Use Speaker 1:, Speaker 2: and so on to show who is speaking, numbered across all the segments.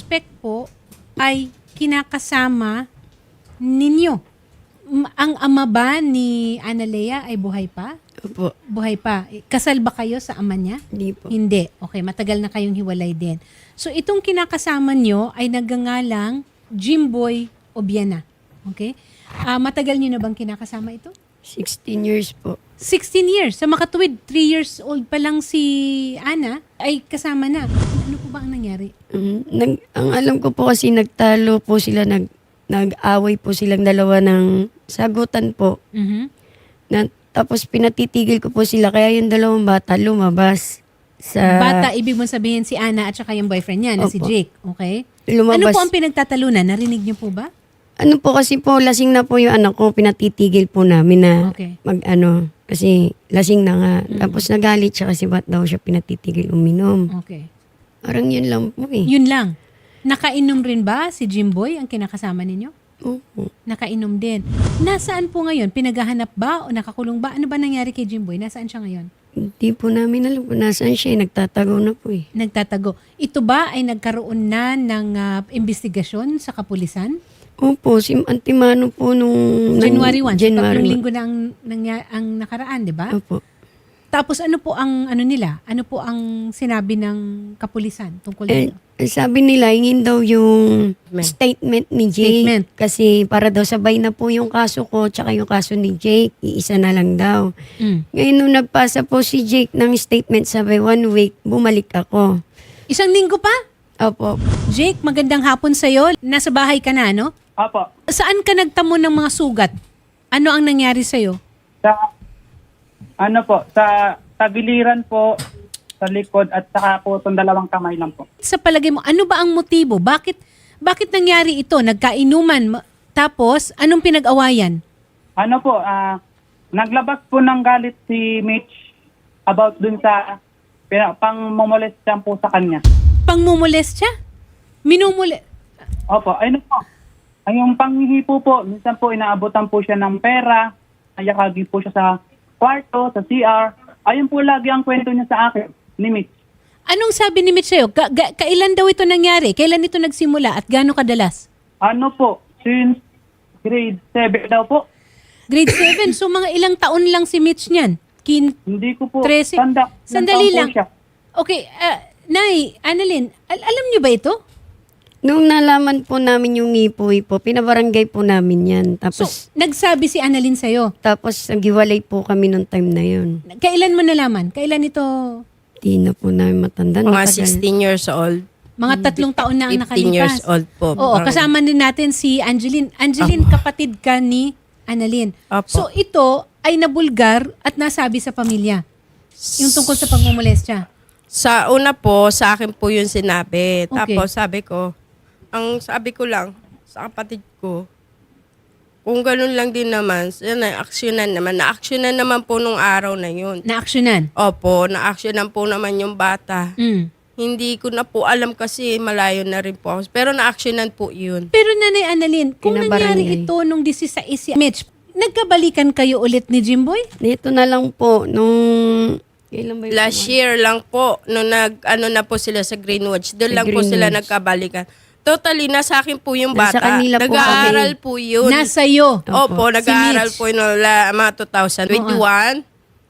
Speaker 1: suspect po ay kinakasama ninyo. Ang ama ba ni Analea ay buhay pa?
Speaker 2: Opo.
Speaker 1: Buhay pa. Kasal ba kayo sa ama niya?
Speaker 2: Hindi po.
Speaker 1: Hindi. Okay, matagal na kayong hiwalay din. So itong kinakasama nyo ay nagngangalang Jimboy Obiena. Okay? Matagal nyo na bang kinakasama ito?
Speaker 2: 16 years po.
Speaker 1: 16 years. Sa makatuwid, 3 years old pa lang si Ana ay kasama na. Ano po ba ang nangyari?
Speaker 2: Ang alam ko po kasi nagtalo po sila, nag-away po silang dalawa ng sagutan po. Tapos pinatitigil ko po sila, kaya yung dalawang bata lumabas.
Speaker 1: Bata, ibig mo sabihin si Ana at saka yung boyfriend niya na si
Speaker 2: Opo.
Speaker 1: Jake. Okay?
Speaker 2: Lumabas.
Speaker 1: Ano po ang pinagtatalunan? Narinig niyo po ba?
Speaker 2: Ano po kasi po, lasing na po yung anak ko, pinatitigil po namin na
Speaker 1: Okay.
Speaker 2: kasi lasing na nga. Tapos nagalit siya kasi ba't daw siya pinatitigil uminom.
Speaker 1: Okay.
Speaker 2: Parang yun lang po eh.
Speaker 1: Yun lang. Nakainom rin ba si Jimboy ang kinakasama ninyo?
Speaker 2: Opo.
Speaker 1: Nakainom din. Nasaan po ngayon? Pinaghahanap ba o nakakulong ba? Ano ba nangyari kay Jimboy? Nasaan siya ngayon?
Speaker 2: Hindi po namin alam kung nasaan siya eh. Nagtatago na po eh.
Speaker 1: Nagtatago. Ito ba ay nagkaroon na ng investigasyon sa kapulisan?
Speaker 2: Opo, si Antimano po nung...
Speaker 1: January 1.
Speaker 2: January
Speaker 1: Tatlong
Speaker 2: 1.
Speaker 1: linggo na ang nakaraan, di ba?
Speaker 2: Opo.
Speaker 1: Tapos ano po ang ano nila? Ano po ang sinabi ng kapulisan tungkol dito?
Speaker 2: Sabi nila, hingin daw yung statement ni Jake.
Speaker 1: Statement.
Speaker 2: Kasi para daw sabay na po yung kaso ko tsaka yung kaso ni Jake. Iisa na lang daw. Ngayon nung nagpasa po si Jake ng statement, sabi 1 week, bumalik ako.
Speaker 1: Isang linggo pa?
Speaker 2: Opo.
Speaker 1: Jake, magandang hapon sa'yo. Nasa bahay ka na, no?
Speaker 3: Opo.
Speaker 1: Saan ka nagtamo ng mga sugat? Ano ang nangyari sa'yo?
Speaker 3: Sa tagiliran po, sa likod at saka po itong dalawang kamay lang po.
Speaker 1: Sa palagay mo, ano ba ang motibo? Bakit nangyari ito? Nagkainuman, tapos anong pinag-awayan?
Speaker 3: Naglabas po ng galit si Mitch about dun sa pang-molest po sa kanya.
Speaker 1: Pangmumulest siya?
Speaker 3: Opo, po. Ay, yung panghihipo po, minsan po inaabotan po siya ng pera, ayakagi po siya sa kwarto, sa CR. Ayun po lagi ang kwento niya sa akin, ni Mitch.
Speaker 1: Anong sabi ni Mitch sa'yo? Kailan daw ito nangyari? Kailan ito nagsimula at gaano kadalas?
Speaker 3: Since grade 7 daw po.
Speaker 1: Grade 7. So mga ilang taon lang si Mitch niyan?
Speaker 3: Hindi ko po
Speaker 1: 13.
Speaker 3: tanda.
Speaker 1: Sandali
Speaker 3: Ilang taon
Speaker 1: lang.
Speaker 3: po siya.
Speaker 1: Okay, Nay, Annalyn, alam niyo ba ito?
Speaker 2: Nung nalaman po namin yung ngipoy po, pinabarangay po namin yan.
Speaker 1: So,
Speaker 2: Tapos,
Speaker 1: nagsabi si Annalyn sa'yo.
Speaker 2: naghiwalay po kami nung time na yun.
Speaker 1: Kailan mo nalaman? Kailan ito?
Speaker 2: Di na po namin matanda.
Speaker 4: Mga
Speaker 2: Matagal.
Speaker 4: 16 years old.
Speaker 1: Mga 3 taon na ang
Speaker 4: 15 years
Speaker 1: nakalipas.
Speaker 4: old po.
Speaker 1: Oo, kasama din natin si Angeline. Angeline, kapatid ka ni Annalyn.
Speaker 4: Apo.
Speaker 1: So, ito ay nabulgar at nasabi sa pamilya. Yung tungkol sa pagmumolestya.
Speaker 4: Sa una po, sa akin po yung sinabi.
Speaker 1: Okay.
Speaker 4: Tapos ang sabi ko lang sa kapatid ko, kung ganun lang din naman, na-actionan naman. Na-actionan naman po nung araw na yun.
Speaker 1: Na-actionan.
Speaker 4: Opo, na-actionan po naman yung bata. Hindi ko na po alam kasi malayo na rin po ako. Pero na-actionan po yun.
Speaker 1: Pero Nanay Annalyn, kung nangyari
Speaker 2: Pinabarangay.
Speaker 1: ito nung 16 si Mitch, nagkabalikan kayo ulit ni Jimboy?
Speaker 2: Dito na lang po, kailan ba yun?
Speaker 4: Last year lang po, nung na po sila sa Greenwich, doon
Speaker 2: Sa
Speaker 4: lang po sila
Speaker 2: Greenwich.
Speaker 4: nagkabalikan. Totally, nasa akin po yung
Speaker 2: Nasa
Speaker 4: bata.
Speaker 2: kanila po
Speaker 4: Nag-aaral
Speaker 2: kami.
Speaker 4: po yun.
Speaker 1: Nasa iyo.
Speaker 4: Opo, nag-aaral
Speaker 1: Mitch.
Speaker 4: po yun mga 2021,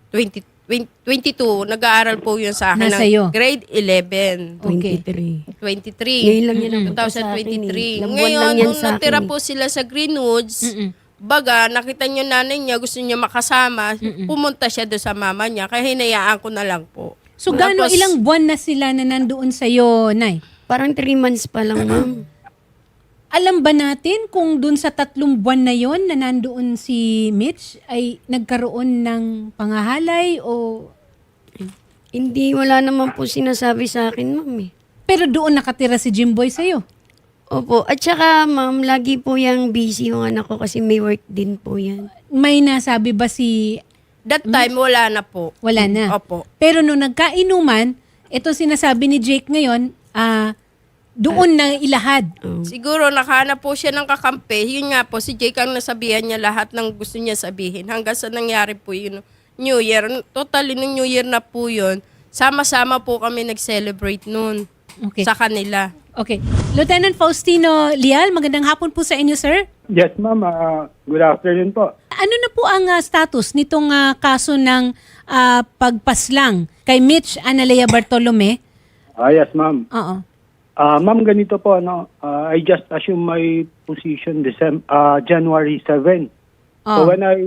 Speaker 4: 22, nag-aaral po yun sa akin
Speaker 1: Nasa
Speaker 4: ng
Speaker 1: iyo.
Speaker 4: grade 11.
Speaker 1: Okay.
Speaker 2: 23.
Speaker 4: 23.
Speaker 2: Ngayon lang yan ang
Speaker 4: 2023.
Speaker 2: Ilang buwan lang
Speaker 4: Ngayon,
Speaker 2: yan
Speaker 4: nung
Speaker 2: sa
Speaker 4: natira
Speaker 2: akin
Speaker 4: po sila sa Greenwoods, baga, nakita niyo nanay niya, gusto niya makasama, pumunta siya doon sa mama niya, kaya hinayaan ko na lang po.
Speaker 1: So, gaano
Speaker 4: Tapos,
Speaker 1: ilang buwan na sila na nandoon sa'yo, Nay?
Speaker 2: Parang 3 months pa lang, ma'am.
Speaker 1: Alam ba natin kung dun sa 3 buwan na yon na nandoon si Mitch ay nagkaroon ng pangahalay o...
Speaker 2: Hindi, wala naman po sinasabi sa akin, ma'am eh.
Speaker 1: Pero doon nakatira si Jimboy sa'yo.
Speaker 2: Opo. At saka, ma'am, lagi po yung busy yung anak ko kasi may work din po yan.
Speaker 1: May nasabi ba si...
Speaker 4: that time, wala na po.
Speaker 1: Wala na.
Speaker 4: Opo.
Speaker 1: Pero nung nagkainuman, ito sinasabi ni Jake ngayon, doon na ilahad.
Speaker 4: Siguro nakahanap po siya ng kakampi. Yun nga po, si Jake ang nasabihan niya lahat ng gusto niya sabihin. Hanggang sa nangyari po yun, New Year. Totally, nung New Year na po yun, sama-sama po kami nag-celebrate noon
Speaker 1: Okay.
Speaker 4: sa kanila.
Speaker 1: Okay. Lieutenant Faustino Leal, magandang hapon po sa inyo, sir.
Speaker 5: Yes, ma'am. Good afternoon po.
Speaker 1: Ano na po ang status nitong kaso ng pagpaslang kay Mitch Analea Bartolome?
Speaker 5: Yes, ma'am.
Speaker 1: Oo.
Speaker 5: Ma'am, ganito po, I just assume my position January 7. So
Speaker 1: Oh.
Speaker 5: when I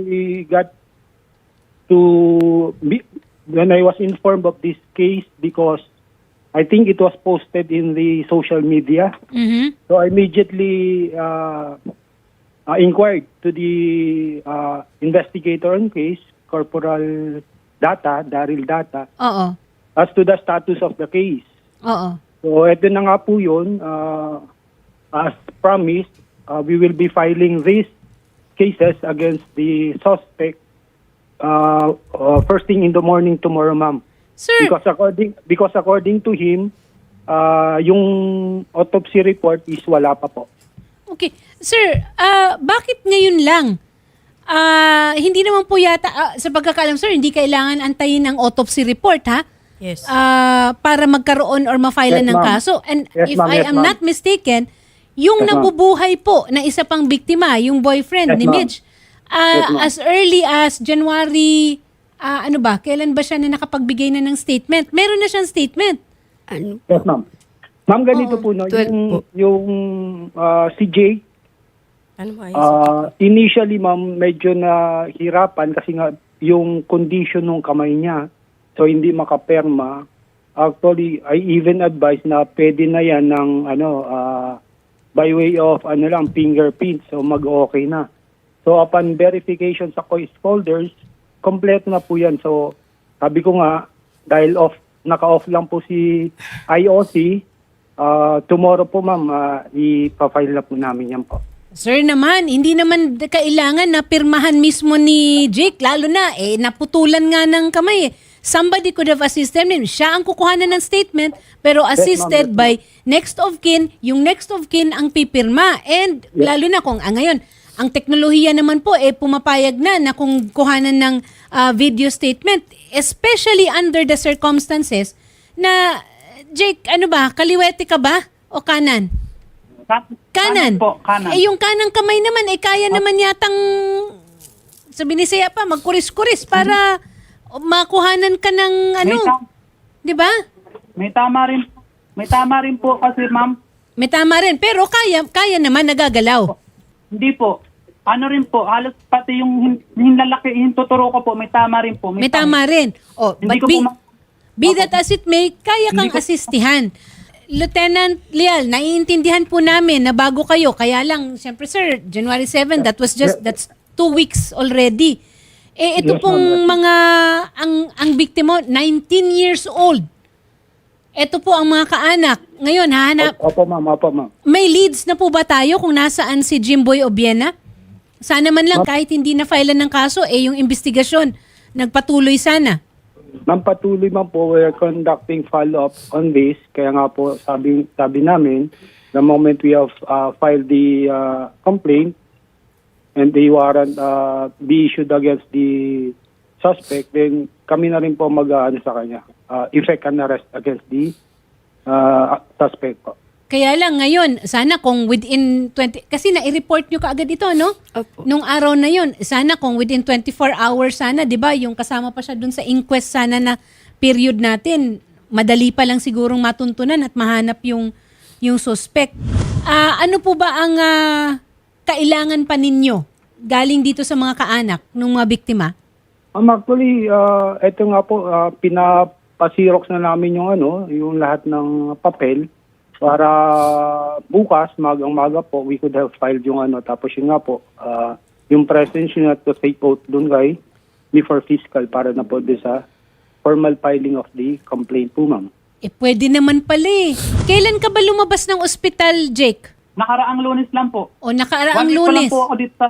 Speaker 5: when I was informed of this case, because I think it was posted in the social media,
Speaker 1: Mhm.
Speaker 5: so I immediately inquired to the investigator on case, Corporal Daryl Data,
Speaker 1: Oo.
Speaker 5: as to the status of the case.
Speaker 1: Oo.
Speaker 5: So, ito na nga po yun. As promised, we will be filing these cases against the suspect first thing in the morning tomorrow, ma'am.
Speaker 1: Sir,
Speaker 5: Because according to him, yung autopsy report is wala pa po.
Speaker 1: okay. Sir, bakit ngayon lang? Hindi naman po yata, sa pagkakalam, sir, hindi kailangan antayin ang autopsy report, ha?
Speaker 4: Yes.
Speaker 1: Para magkaroon or ma-file
Speaker 5: Yes,
Speaker 1: ng
Speaker 5: ma'am.
Speaker 1: kaso. And
Speaker 5: Yes,
Speaker 1: if
Speaker 5: ma'am.
Speaker 1: I
Speaker 5: Yes,
Speaker 1: am
Speaker 5: ma'am.
Speaker 1: not mistaken, yung
Speaker 5: Yes, ma'am.
Speaker 1: nabubuhay po na isa pang biktima, yung boyfriend
Speaker 5: Yes,
Speaker 1: ni
Speaker 5: ma'am.
Speaker 1: Mitch,
Speaker 5: Yes, ma'am.
Speaker 1: as early as January, kailan ba siya na nakapagbigay na ng statement? Meron na siyang statement.
Speaker 2: Ano?
Speaker 5: Yes, ma'am. Ma'am, ganito po,
Speaker 2: 12 po.
Speaker 5: yung si Jake,
Speaker 4: Ano ba?
Speaker 5: initially, ma'am, medyo nahirapan kasi nga yung condition ng kamay niya, so hindi makaperma. Actually, I even advise na pwede na yan ng by way of fingerprint, so mag-okay na. So upon verification sa case holders, kompleto na po yan. So sabi ko nga, dahil naka-off lang po si IOC, tomorrow po, ma'am, ipafile na po namin yan po.
Speaker 1: Sir naman, hindi naman kailangan na pirmahan mismo ni Jake, lalo na, naputulan nga ng kamay. Somebody could have assisted him. Siya ang kukuhanan ng statement, pero assisted
Speaker 5: Yes,
Speaker 1: by
Speaker 5: ma'am.
Speaker 1: next of kin, yung next of kin ang pipirma. And lalo na kung ngayon, ang teknolohiya naman po, pumapayag na kung kuhanan ng video statement, especially under the circumstances na, Jake, kaliwete ka ba o kanan? Kanan.
Speaker 3: Po, kanan.
Speaker 1: Yung kanang kamay naman, kaya naman yatang, sabi ni Saya pa, magkuris-kuris para makuhanan ka ng di ba?
Speaker 3: May tama rin po kasi, ma'am.
Speaker 1: May tama rin, pero kaya naman nagagalaw.
Speaker 3: Hindi po. Ano rin po, halos pati yung hinlalaki, tuturo ko po, may tama rin po.
Speaker 1: May tama rin. Oh,
Speaker 3: Hindi
Speaker 1: but
Speaker 3: ko po
Speaker 1: be that as it may, kaya kang asistihan. Lieutenant Leal, naiintindihan po namin na bago kayo, kaya lang, siyempre sir, January 7, that's 2 weeks already. Ito
Speaker 5: Yes,
Speaker 1: pong
Speaker 5: ma'am.
Speaker 1: mga, ang biktima, 19 years old. Ito po ang mga kaanak. Ngayon, hahanap,
Speaker 5: Opo, ma'am.
Speaker 1: may leads na po ba tayo kung nasaan si Jimboy Obiena? Sana man lang kahit hindi na filean ng kaso, yung investigasyon, nagpatuloy sana.
Speaker 5: Ma'am, patuloy, ma'am po, we're conducting follow-up on this. Kaya nga po, sabi namin, the moment we have filed the complaint and the warrant be issued against the suspect, then kami na rin po sa kanya. Effect an arrest against the suspect po.
Speaker 1: Kaya lang ngayon, sana kung within 20, kasi na-report nyo kaagad ito, no?
Speaker 2: Opo.
Speaker 1: Nung araw na yun, sana kung within 24 hours sana, di ba, yung kasama pa siya dun sa inquest sana na period natin, madali pa lang sigurong matuntunan at mahanap yung suspect. Ano po ba ang kailangan pa ninyo galing dito sa mga kaanak ng mga biktima?
Speaker 5: Actually, ito nga po, pinapasirox na namin yung lahat ng papel para bukas, magang-maga po, we could have filed yung tapos yun nga po, yung presence yun to take out dun kay before fiscal para na po sa formal filing of the complaint po, ma'am.
Speaker 1: Pwede naman pala eh. Kailan ka ba lumabas ng ospital, Jake?
Speaker 3: Nakaraang Lunes lang po.
Speaker 1: O nakaraang
Speaker 3: 1 week pa lang
Speaker 1: Lunes?
Speaker 3: po ako dito.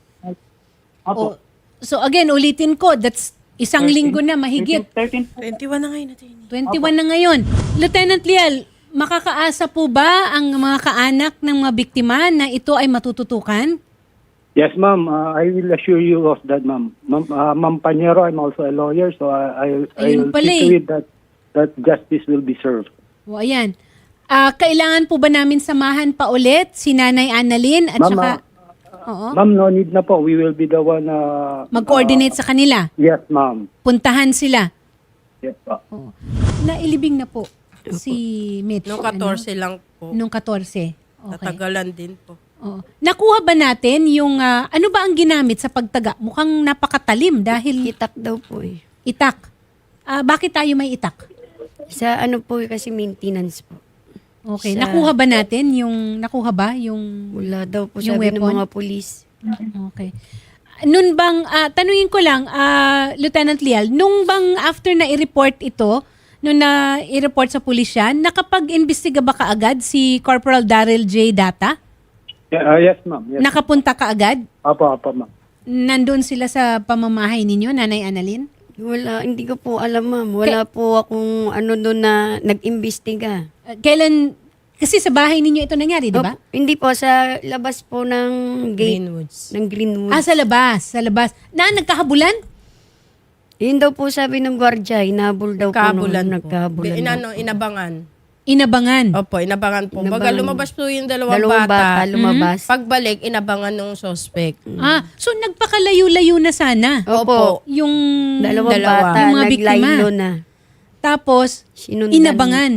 Speaker 3: Opo.
Speaker 1: O, so again, ulitin ko, that's isang linggo na mahigit.
Speaker 3: 13
Speaker 4: 21 na ngayon natin.
Speaker 1: 21 na ngayon. Lieutenant Leal, makakaasa po ba ang mga kaanak ng mga biktima na ito ay matututukan?
Speaker 5: Yes, ma'am. I will assure you of that, ma'am. Ma'am Pañero, I'm also a lawyer, so I
Speaker 1: Ayun
Speaker 5: will
Speaker 1: pala
Speaker 5: see to it that justice will be served.
Speaker 1: O ayan. Kailangan po ba namin samahan pa ulit si Nanay Annalyn at
Speaker 5: Ma'am,
Speaker 1: saka oo,
Speaker 5: Ma'am, no need na po. We will be the one na...
Speaker 1: mag-coordinate sa kanila?
Speaker 5: Yes, ma'am.
Speaker 1: Puntahan sila?
Speaker 5: Yes, po.
Speaker 1: Oo. Nailibing na po si Mitch.
Speaker 4: Nung 14 lang po.
Speaker 1: Nung 14. Okay.
Speaker 4: Tatagalan din po.
Speaker 1: Oo. Nakuha ba natin yung, ano ba ang ginamit sa pagtaga? Mukhang napakatalim dahil
Speaker 2: Itak daw po eh.
Speaker 1: itak. Bakit tayo may itak?
Speaker 2: Sa ano po kasi maintenance po.
Speaker 1: Okay.
Speaker 2: Sa-
Speaker 1: Nakuha ba natin yung,
Speaker 2: Wala daw po
Speaker 1: Yung
Speaker 2: sabi ng
Speaker 1: weapon?
Speaker 2: mga pulis.
Speaker 1: Okay. Nun bang, tanungin ko lang, Lieutenant Lial, nung bang after na i-report ito, nung na i-report sa pulisya, nakapag-imbestiga ba kaagad si Corporal Daryl J. Data?
Speaker 5: Yes, ma'am. Yes.
Speaker 1: Nakapunta kaagad?
Speaker 5: Apo, ma'am.
Speaker 1: Nandun sila sa pamamahay ninyo, Nanay Annalyn?
Speaker 2: Wala, hindi ko po alam ma'am. Wala po akong ano doon na nag-imbestiga.
Speaker 1: Kailan, kasi sa bahay ninyo ito nangyari, di ba?
Speaker 2: Opo, hindi po, sa labas po ng gate.
Speaker 4: Greenwoods.
Speaker 2: Ng Greenwood.
Speaker 1: Sa labas. Nagkahabulan?
Speaker 2: Yun daw po sabi ng gwardiya, inahabol daw
Speaker 4: Kabulan
Speaker 2: po.
Speaker 4: po.
Speaker 2: Nagkahabulan daw.
Speaker 4: Inabangan.
Speaker 1: Inabangan.
Speaker 4: Opo, inabangan po. Baga
Speaker 2: Inabangan.
Speaker 4: lumabas po yung dalawang
Speaker 2: Dalawang bata
Speaker 4: bata.
Speaker 2: lumabas.
Speaker 4: Pagbalik, inabangan ng suspect.
Speaker 1: So nagpakalayo-layo na sana.
Speaker 2: Opo.
Speaker 1: Yung
Speaker 2: Dalawang
Speaker 4: Dalawa.
Speaker 2: bata,
Speaker 1: Yung mga biktima.
Speaker 2: naglaylo na.
Speaker 1: Tapos,
Speaker 2: Sinundan.
Speaker 1: inabangan.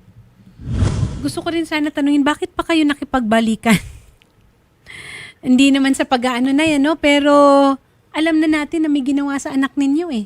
Speaker 1: Gusto ko rin sana tanungin, bakit pa kayo nakipagbalikan? Hindi naman sa pag-aano na yan, no? Pero alam na natin na may ginawa sa anak ninyo eh.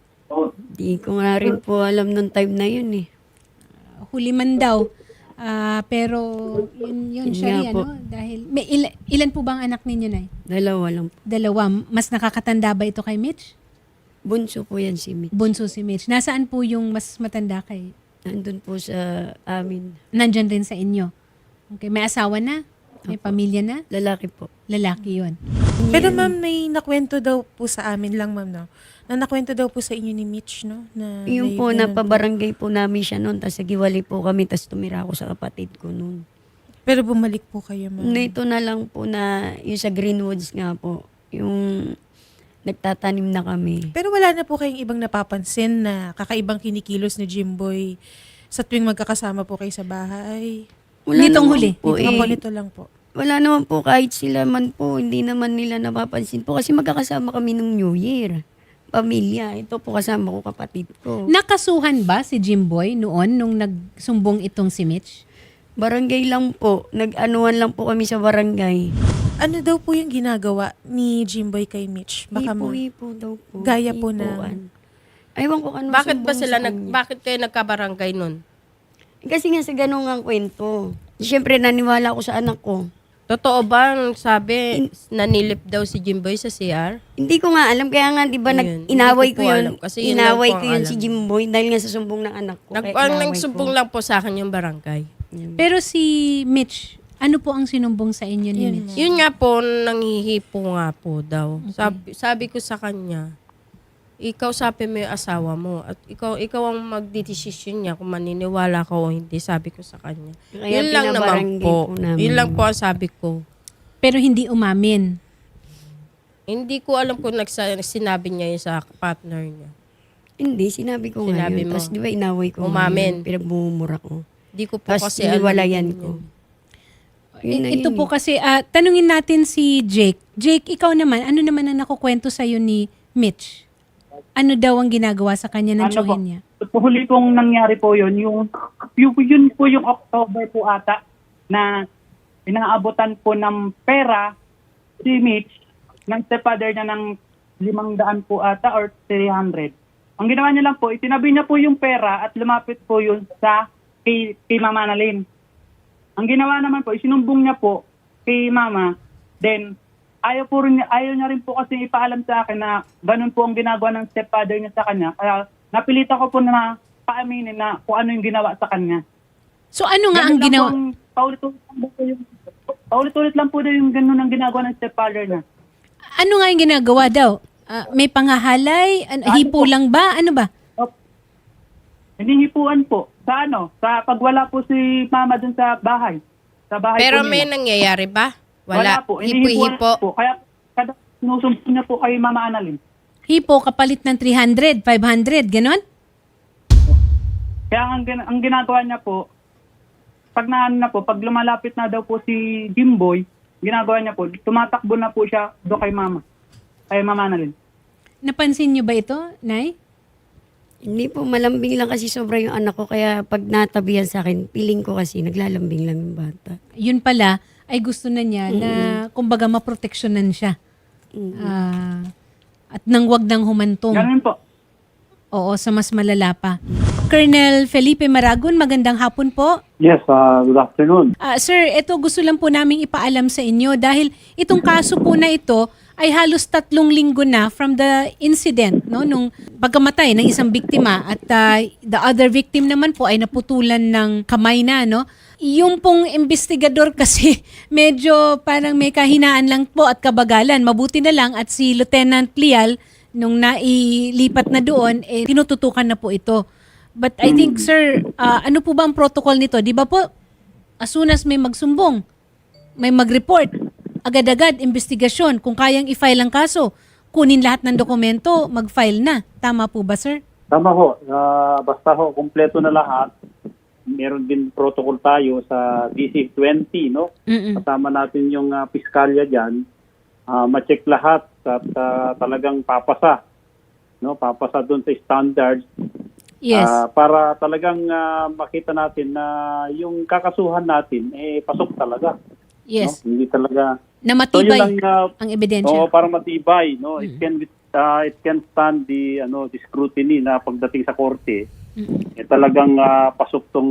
Speaker 2: Di ko nga rin po alam nung time na yun eh.
Speaker 1: Huli man daw. Pero yun
Speaker 2: Yun
Speaker 1: siya
Speaker 2: nga po.
Speaker 1: ano? Dahil, may ilan po bang anak ninyo na?
Speaker 2: Dalawa lang po.
Speaker 1: Dalawa. Mas nakakatanda ba ito kay Mitch?
Speaker 2: Bunso po yan si Mitch.
Speaker 1: Bunso si Mitch. Nasaan po yung mas matanda kay?
Speaker 2: Nandun po sa amin.
Speaker 1: Nandyan rin sa inyo. Okay, may asawa na? May pamilya na?
Speaker 2: Lalaki po.
Speaker 1: Lalaki yun.
Speaker 6: Pero ma'am, may nakwento daw po sa amin lang ma'am, no? Na nakwento daw po sa inyo ni Mitch, no? Na
Speaker 2: Yung
Speaker 6: may
Speaker 2: po,
Speaker 6: ganun
Speaker 2: napabarangay po namin siya noon, tapos nagiwalay po kami, tapos tumira ako sa kapatid ko noon.
Speaker 6: Pero bumalik po kayo, ma'am.
Speaker 2: Ito na lang po na, yung sa Greenwoods nga po, yung nagtatanim na kami.
Speaker 6: Pero wala na po kayong ibang napapansin na kakaibang kinikilos ni Jimboy sa tuwing magkakasama po kayo sa bahay?
Speaker 1: Nitong
Speaker 2: naman
Speaker 1: huli?
Speaker 2: Po,
Speaker 6: Ito po,
Speaker 2: eh.
Speaker 6: nito lang po.
Speaker 2: Wala naman po, kahit sila man po, hindi naman nila napapansin po, kasi magkakasama kami nung New Year. Pamilya, ito po kasama ko, kapatid ko.
Speaker 1: Nakasuhan ba si Jimboy noon nung nagsumbong itong si Mitch?
Speaker 2: Barangay lang po, nag-anuan lang po kami sa barangay.
Speaker 6: Ano daw po yung ginagawa ni Jimboy kay Mitch? Baka
Speaker 2: Hipo daw po.
Speaker 6: Gaya po
Speaker 2: Hipoan. Aywan ko ano
Speaker 4: Bakit ba
Speaker 2: sumbong
Speaker 4: sila
Speaker 2: sa kanya.
Speaker 4: bakit kayo nagkabarangay nun?
Speaker 2: Kasi nga sa ganun ang kwento. Siyempre, naniwala ako sa anak ko.
Speaker 4: Totoo ba ang sabi nanilip daw si Jimboy sa CR?
Speaker 2: Hindi ko nga alam, kaya nga, di ba,
Speaker 4: Ayun,
Speaker 2: inaway
Speaker 4: hindi ko
Speaker 2: ko
Speaker 4: po
Speaker 2: yun.
Speaker 4: alam, kasi yun lang
Speaker 2: Inaway
Speaker 4: po
Speaker 2: ko
Speaker 4: ang
Speaker 2: yun
Speaker 4: alam.
Speaker 2: si Jimboy dahil nga sa sumbong ng anak ko. kaya
Speaker 4: Ang
Speaker 2: inaway
Speaker 4: nagsumbong
Speaker 2: ko.
Speaker 4: lang po sa akin yung barangay.
Speaker 1: Pero si Mitch, ano po ang sinumbong sa inyo ni Mitch?
Speaker 4: Yun nga po, nanghihipo nga po daw. Sabi ko sa kanya, ikaw sabi mo yung asawa mo at ikaw ang magdidesisyon niya kung maniniwala ka o hindi, sabi ko sa kanya.
Speaker 2: Kaya
Speaker 4: Yun lang naman
Speaker 2: pinabarangay
Speaker 4: po.
Speaker 2: po namin.
Speaker 4: Yun lang po ang sabi ko.
Speaker 1: Pero hindi umamin.
Speaker 4: Hindi ko alam kung sinabi niya yun sa partner niya.
Speaker 2: Hindi, sinabi ko nga
Speaker 4: Sinabi
Speaker 2: yun.
Speaker 4: mo.
Speaker 2: Tapos di ba inaway ko nga
Speaker 4: Umamin.
Speaker 2: yun, pinagbumura ko.
Speaker 4: Hindi ko po
Speaker 2: Tapos
Speaker 4: kasi alam
Speaker 2: iniwalayan
Speaker 4: yun.
Speaker 2: ko. Yun na
Speaker 1: Ito
Speaker 2: yun
Speaker 1: po
Speaker 2: eh.
Speaker 1: kasi, tanungin natin si Jake. Jake, ikaw naman, ano naman ang nakukwento sa'yo ni Mitch? Ano daw ang ginagawa sa kanya ng tsuhin niya?
Speaker 3: Huli pong nangyari po yun, yun po yung October po ata na inaabotan po ng pera si Mitch ng stepfather niya ng 500 po ata or 300. Ang ginawa niya lang po, itinabi niya po yung pera at lumapit po yun sa kay Mama Annalyn. Ang ginawa naman po, isinumbong niya po kay Mama, then ayaw niya rin po kasi ipaalam sa akin na ganun po ang ginagawa ng stepfather niya sa kanya. Kaya napilitan ko po na paaminin na kung ano yung ginawa sa kanya.
Speaker 1: So ano nga ang
Speaker 3: Ganun lang
Speaker 1: ginawa?
Speaker 3: po ang paulit-ulit lang po yung ganun ang ginagawa ng stepfather niya.
Speaker 1: Ano nga yung ginagawa daw? May panghahalay? Hipo lang ba? Ano ba?
Speaker 3: Hinihipuan po. Sa sa pagwala po si Mama dun sa bahay. Sa bahay
Speaker 4: Pero
Speaker 3: po
Speaker 4: may
Speaker 3: nila.
Speaker 4: nangyayari ba? Wala.
Speaker 3: po.
Speaker 4: Hipo-hipo.
Speaker 3: Po. Kaya kada sinusumbong niya po kay Mama Annalyn.
Speaker 1: Hipo kapalit ng 300, 500, ganon?
Speaker 3: Kaya ang ginagawa niya po, pag pag lumalapit na daw po si Jimboy, ginagawa niya po, tumatakbo na po siya do kay mama. Kay Mama Annalyn.
Speaker 1: Napansin niyo ba ito, Nay?
Speaker 2: Hindi po, malambing lang kasi sobra yung anak ko. Kaya pag natabihan sa akin, piling ko kasi naglalambing lang yung bata.
Speaker 1: Yun pala ay gusto na niya na kumbaga maproteksyonan siya. At nang wag nang humantong.
Speaker 3: Ganun po.
Speaker 1: Oo, sa mas malala pa. Colonel Felipe Maragon, magandang hapon po.
Speaker 5: Yes, good afternoon.
Speaker 1: Sir, ito gusto lang po naming ipaalam sa inyo dahil itong kaso po na ito ay halos 3 linggo na from the incident, no, nung pagkamatay ng isang biktima at the other victim naman po ay naputulan ng kamay na, no. Yung pong investigador kasi medyo parang may kahinaan lang po at kabagalan. Mabuti na lang at si Lieutenant Lial nung nailipat na doon, tinututukan na po ito. But I think, sir, ano po ba ang protocol nito? Di ba po, as soon as may magsumbong, may mag-report, agad-agad, investigasyon, kung kayang i-file ang kaso, kunin lahat ng dokumento, mag-file na. Tama po ba, sir?
Speaker 7: Tama ho. Basta ho, kumpleto na lahat. Meron din protocol tayo sa DC-20, no? Kasama natin yung piskalya dyan. Ma-check lahat at talagang papasa. No? Papasa doon sa standards.
Speaker 1: Yes.
Speaker 7: Para talagang makita natin na yung kakasuhan natin, pasok talaga.
Speaker 1: Yes.
Speaker 7: No? Hindi talaga...
Speaker 1: Na matibay
Speaker 7: yun lang,
Speaker 1: ang ebidensya.
Speaker 7: para matibay, no? It can stand the scrutiny na pagdating sa korte. Talagang pasok tong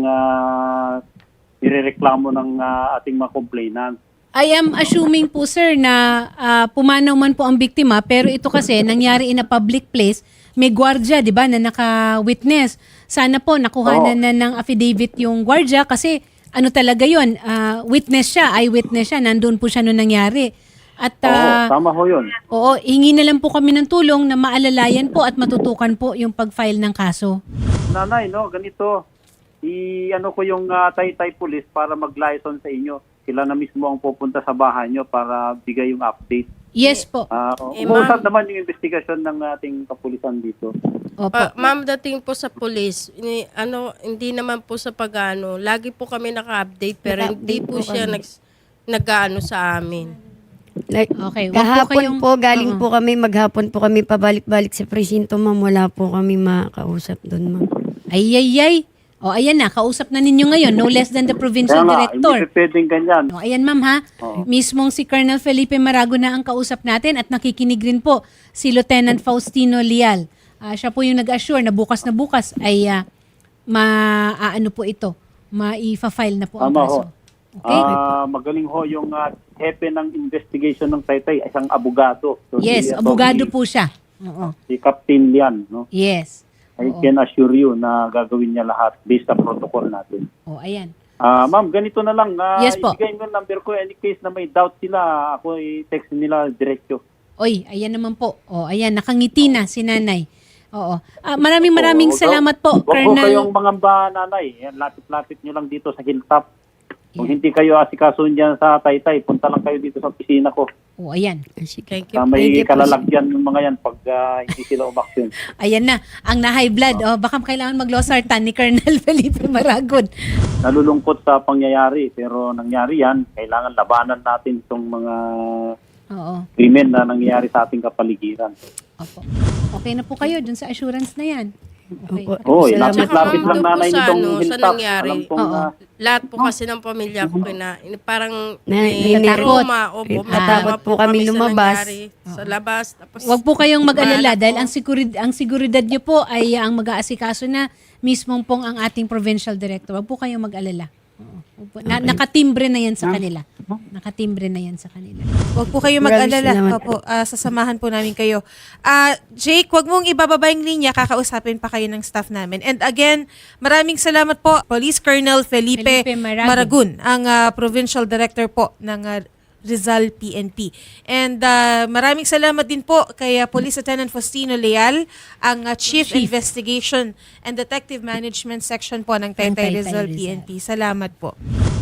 Speaker 7: nirereklamo ng ating mga complainant.
Speaker 1: I am assuming po, sir, na pumanaw man po ang biktima, pero ito kasi nangyari in a public place, may gwardiya, di ba, na naka-witness. Sana po nakuhanan na ng affidavit yung gwardiya kasi ano talaga yun, witness siya, eyewitness siya, nandun po siya nung nangyari. At
Speaker 7: Tama ho yun.
Speaker 1: oo, hingi na lang po kami ng tulong na maalalayan po at matutukan po yung pag-file ng kaso.
Speaker 7: Nanay, no, ganito. I-ano ko yung Taytay Police para mag-liaison sa inyo. Sila na mismo ang pupunta sa bahay nyo para bigay yung update.
Speaker 1: Yes po.
Speaker 7: Umusap naman yung investigasyon ng ating kapulisan dito.
Speaker 1: Opo.
Speaker 4: Ma'am, dating po sa police, hindi naman po sa pag-ano, lagi po kami naka-update pero hindi po siya nag-ano sa amin.
Speaker 2: Like,
Speaker 1: Okay, wag po
Speaker 2: kahapon
Speaker 1: kayong-
Speaker 2: po, galing po kami, maghapon po kami pabalik-balik sa presinto, ma'am. Wala po kami makausap doon, ma'am.
Speaker 1: Ay. O, ayan na, kausap na ninyo ngayon, no less than the provincial
Speaker 7: Kaya nga,
Speaker 1: director.
Speaker 7: hindi pwedeng ganyan.
Speaker 1: O, ayan ma'am ha, mismong si Colonel Felipe Maragon na ang kausap natin at nakikinig rin po si Lieutenant Faustino Lial. Siya po yung nag-assure na bukas ay maano po ito, ma-file na po ang
Speaker 7: Tama
Speaker 1: kaso.
Speaker 7: ho.
Speaker 1: Okay?
Speaker 7: Magaling ho yung hepe ng investigation ng Taytay, isang abogado. So,
Speaker 1: Yes, abogado po siya. Oo.
Speaker 7: Si Captain Lian, no?
Speaker 1: Yes.
Speaker 7: I can assure you na gagawin niya lahat based sa protocol natin.
Speaker 1: O, ayan.
Speaker 7: Ma'am, ganito na lang.
Speaker 1: Yes po.
Speaker 7: Ibigay mo yung number ko. Any case na may doubt sila, ako i-text nila diretso.
Speaker 1: Oy, ayan naman po. O, ayan, nakangiti na si nanay. Oo. Maraming salamat po,
Speaker 7: Huwag po
Speaker 1: Colonel.
Speaker 7: kayong mangamba, nanay. Yan, lapit-lapit nyo lang dito sa hilltop. Kung hindi kayo asikasun dyan sa Taytay, punta lang kayo dito sa opisina ko.
Speaker 1: O, ayan.
Speaker 4: Thank you.
Speaker 7: May
Speaker 2: Thank you po,
Speaker 7: kalalagyan yung mga yan pag hindi sila umaksyon.
Speaker 1: Ayan na, ang na-high blood. O, baka kailangan mag-losartan ni Colonel Felipe Maragon.
Speaker 7: Nalulungkot sa pangyayari, pero nangyari yan. Kailangan labanan natin itong mga
Speaker 1: Oo.
Speaker 7: krimen na nangyayari sa ating kapaligiran.
Speaker 1: Opo. Okay na po kayo dun sa assurance na yan. Okay.
Speaker 2: Opo.
Speaker 7: Lapit-lapit
Speaker 4: Tsaka,
Speaker 7: lang
Speaker 4: doon po
Speaker 7: nanay
Speaker 4: sa
Speaker 7: nitong
Speaker 4: sa
Speaker 7: hilltop.
Speaker 4: nangyari.
Speaker 7: Alam kong,
Speaker 1: Oo.
Speaker 4: Lahat po kasi ng pamilya ko parang
Speaker 1: natakot.
Speaker 4: trauma. Opo, may
Speaker 2: Natakot
Speaker 4: trauma
Speaker 2: po kami
Speaker 4: sa
Speaker 2: lumabas.
Speaker 4: nangyari Sa labas. Tapos,
Speaker 1: Huwag po kayong mag-alala
Speaker 4: Mahal
Speaker 1: dahil
Speaker 4: po.
Speaker 1: ang seguridad nyo po ay ang mag-aasikaso na mismong pong ang ating provincial director. Huwag po kayong mag-alala. Oo. Huwag po. Nakatimbre na yan sa kanila. Nakatimbre na yan sa kanila.
Speaker 6: Huwag po kayo
Speaker 2: Maraming
Speaker 6: mag-alala.
Speaker 2: salamat.
Speaker 6: Opo, sasamahan po namin kayo. Jake, huwag mong ibababa yung linya. Kakausapin pa kayo ng staff namin. And again, maraming salamat po, Police Colonel Felipe Maragon, ang Provincial Director po ng Rizal PNP. And maraming salamat din po kay Police Lieutenant Faustino Leal, ang Chief Investigation and Detective Management Section po ng Taytay
Speaker 1: Taytay
Speaker 6: Rizal
Speaker 1: Rizal.
Speaker 6: PNP. Salamat po.